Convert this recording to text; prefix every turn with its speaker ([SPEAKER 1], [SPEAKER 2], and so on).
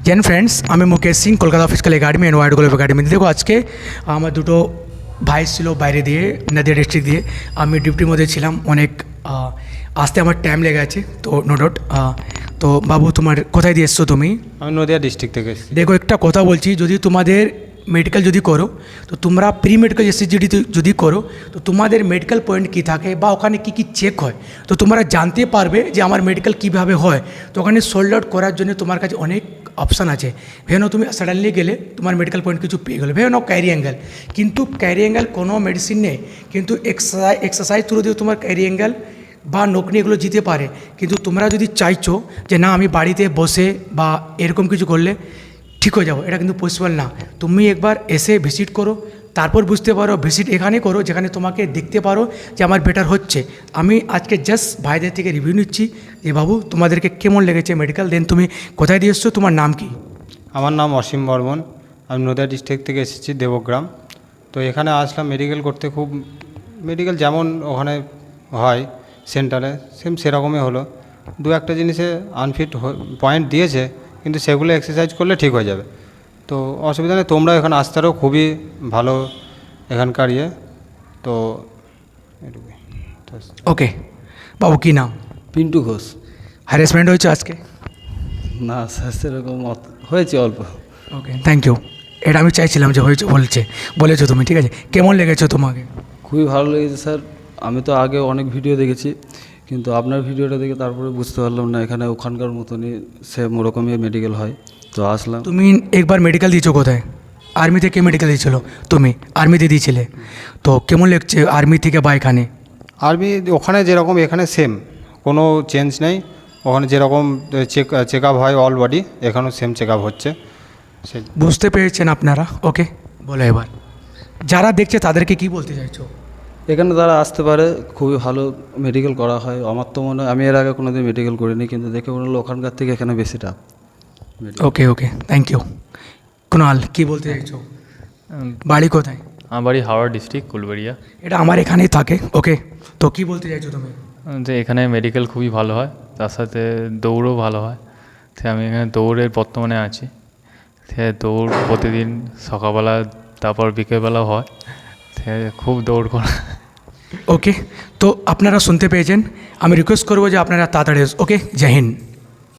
[SPEAKER 1] Gen friends, আমি Mukesh Singh, Kolkata physical academy and wide globe academy. দেখো আজকে আমার দুটো ভাই ছিল বাইরে দিয়ে, নদিয়া ডিস্ট্রিক্ট দিয়ে। আমি ডিউটির মধ্যে ছিলাম, অনেক আসতে আমার টাইম লেগে আছে, তো নো ডাউট। তো বাবু, তোমার কোথায় দিয়ে এসছো তুমি?
[SPEAKER 2] আমি নদিয়া ডিস্ট্রিক্ট থেকে এসেছি।
[SPEAKER 1] দেখো, একটা কথা বলছি, যদি তোমাদের মেডিকেল যদি করো, তো তোমরা প্রি মেডিকেল এসএসজিডি যদি করো, তো তোমাদের মেডিকেল পয়েন্ট কী থাকে বা ওখানে কী কী চেক হয়, তো তোমরা জানতে পারবে যে আমার মেডিকেল কীভাবে হয়। তো ওখানে সোল্ড আউট করার জন্য তোমার কাছে অনেক অপশান আছে। ভেবে নাও তুমি সাডেনলি গেলে তোমার মেডিকেল পয়েন্ট কিছু পেয়ে গেলো, ভেবে নাও ক্যারি অ্যাঙ্গেল, কিন্তু ক্যারি অ্যাঙ্গেল কোনো মেডিসিন নেই, কিন্তু এক্সারসাইজ থ্রু দিয়ে তোমার ক্যারি অ্যাঙ্গেল বা নকনি এগুলো জিতে পারে। কিন্তু তোমরা যদি চাইছো যে না আমি বাড়িতে বসে বা এরকম কিছু করলে ঠিক হয়ে যাবো, এটা কিন্তু পসিবল না। তুমি একবার এসে ভিজিট করো, তারপর বুঝতে পারো। ভিজিট এখানে করো যেখানে তোমাকে দেখতে পারো যে আমার বেটার হচ্ছে। আমি আজকে জাস্ট ভাইদের থেকে রিভিউ নিচ্ছি যে বাবু তোমাদেরকে কেমন লেগেছে মেডিকেল, দেন তুমি কোথায় দিয়ে এসছো, তোমার নাম কি?
[SPEAKER 2] আমার নাম অসীম বর্মন, আমি নদিয়া ডিস্ট্রিক্ট থেকে এসেছি, দেবগ্রাম। তো এখানে আসলাম মেডিকেল করতে। খুব মেডিকেল যেমন ওখানে হয় সেন্টারে, সেরকমই হলো। দু একটা জিনিসে আনফিট পয়েন্ট দিয়েছে, কিন্তু সেগুলো এক্সারসাইজ করলে ঠিক হয়ে যাবে। তো অসুবিধা নেই, তোমরা এখানে আসতে পারো, খুবই ভালো এখানকার ইয়ে। তো এটুকুই।
[SPEAKER 1] ওকে বাবু, কী নাম?
[SPEAKER 3] পিন্টু ঘোষ।
[SPEAKER 1] হ্যারাসমেন্ট হয়েছে আজকে?
[SPEAKER 3] না স্যার, সেরকম হয়েছে অল্প।
[SPEAKER 1] Okay, thank you. এটা আমি চাইছিলাম যে হয়েছে, বলেছো তুমি, ঠিক আছে। কেমন লেগেছো তোমাকে?
[SPEAKER 3] খুবই ভালো লেগেছে স্যার। আমি তো আগে অনেক ভিডিও দেখেছি, কিন্তু আপনার ভিডিওটা দেখে তারপরে বুঝতে পারলাম না এখানে ওখানকার মতনই সেম ওরকমই মেডিকেল হয়। তো আসলাম।
[SPEAKER 1] তুমি একবার মেডিকেল দিয়েছো কোথায়? আর্মি থেকে মেডিকেল দিয়েছিল? তুমি আর্মিতে দিয়েছিলে, তো কেমন লাগছে আর্মি থেকে বা এখানে?
[SPEAKER 2] আর্মি ওখানে যেরকম এখানে সেম, কোনো চেঞ্জ নেই। ওখানে যেরকম চেক আপ হয় অল বডি, এখানেও সেম চেক আপ হচ্ছে। সে
[SPEAKER 1] বুঝতে পেরেছেন আপনারা? ওকে, বলো এবার যারা দেখছে তাদেরকে কি বলতে চাইছো?
[SPEAKER 3] এখানে তারা আসতে পারে, খুবই ভালো মেডিকেল করা হয়। আমার তো মনে হয়, আমি এর আগে কোনোদিন মেডিকেল করিনি, কিন্তু দেখে মনে হলো ওখানকার থেকে এখানে বেশি tough.
[SPEAKER 1] Okay okay, thank you. Kunal, কি বলতে চাইছো? বাড়ি কোথায়?
[SPEAKER 4] আমার বাড়ি হাওড়া ডিস্ট্রিক্ট, কুলবেড়িয়া।
[SPEAKER 1] এটা আমার এখানেই থাকে। ওকে, তো কি বলতে চাইছো তুমি?
[SPEAKER 4] যে এখানে মেডিকেল খুবই ভালো হয়, তার সাথে দৌড়ও ভালো হয়। তো আমি এখানে দৌড়ের বর্তমানে আছি। সে দৌড় প্রতিদিন সকালবেলা, তারপর বিকেলবেলাও হয়। সে খুব দৌড় করা।
[SPEAKER 1] ওকে, তো আপনারা শুনতে পেয়েছেন। আমি রিকোয়েস্ট করবো যে আপনারা তাড়াতাড়ি। ওকে, জয় হিন্দ।